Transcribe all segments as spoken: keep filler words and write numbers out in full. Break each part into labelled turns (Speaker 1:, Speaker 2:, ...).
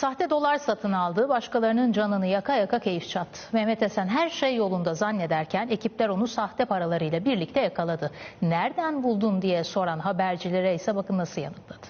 Speaker 1: Sahte dolar satın aldı, başkalarının canını yaka yaka keyif çattı. Mehmet Esen her şey yolunda zannederken ekipler onu sahte paralarıyla birlikte yakaladı. Nereden buldun diye soran habercilere ise bakın nasıl yanıtladı.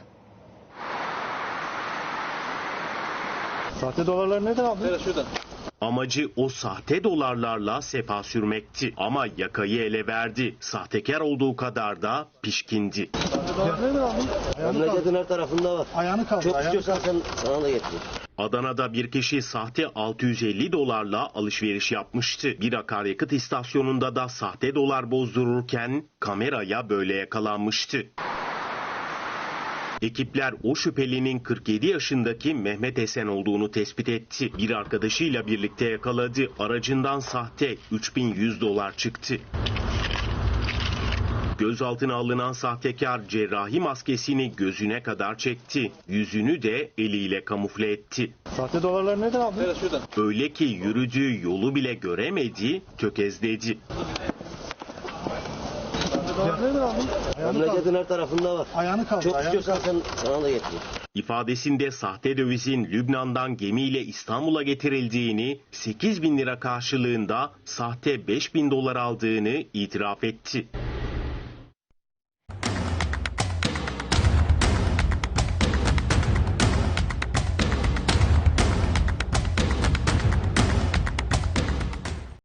Speaker 2: Sahte dolarları neden aldın?
Speaker 3: Evet, şuradan.
Speaker 4: Amacı o sahte dolarlarla sefa sürmekti ama yakayı ele verdi. Sahtekar olduğu kadar da pişkindi.
Speaker 2: Sahte dolarları neden aldın? Ayağını
Speaker 5: Memleketin
Speaker 2: kaldır.
Speaker 5: her tarafında var.
Speaker 2: Ayağını kaldır.
Speaker 5: Çok
Speaker 2: ayağını
Speaker 5: istiyorsan
Speaker 2: kaldır.
Speaker 5: sen, sana da getireyim.
Speaker 4: Adana'da bir kişi sahte altı yüz elli dolarla alışveriş yapmıştı. Bir akaryakıt istasyonunda da sahte dolar bozdururken kameraya böyle yakalanmıştı. Ekipler o şüphelinin kırk yedi yaşındaki Mehmet Esen olduğunu tespit etti. Bir arkadaşıyla birlikte yakaladı. Aracından sahte üç bin yüz dolar çıktı. Gözaltına alınan sahtekar cerrahi maskesini gözüne kadar çekti. Yüzünü de eliyle kamufle etti.
Speaker 2: Sahte dolarları neden aldın?
Speaker 3: Evet, şuradan.
Speaker 4: Öyle ki yürüdüğü yolu bile göremedi, tökezledi.
Speaker 2: Sahte dolarları neden aldın? Ayağını kaldır.
Speaker 5: Memleketin her tarafında var.
Speaker 2: Ayağını kaldır.
Speaker 5: Çok
Speaker 2: ayağını
Speaker 5: istiyorsan
Speaker 2: kaldır.
Speaker 5: sen, sana da getireyim.
Speaker 4: İfadesinde sahte dövizin Lübnan'dan gemiyle İstanbul'a getirildiğini, sekiz bin lira karşılığında sahte beş bin dolar aldığını itiraf etti.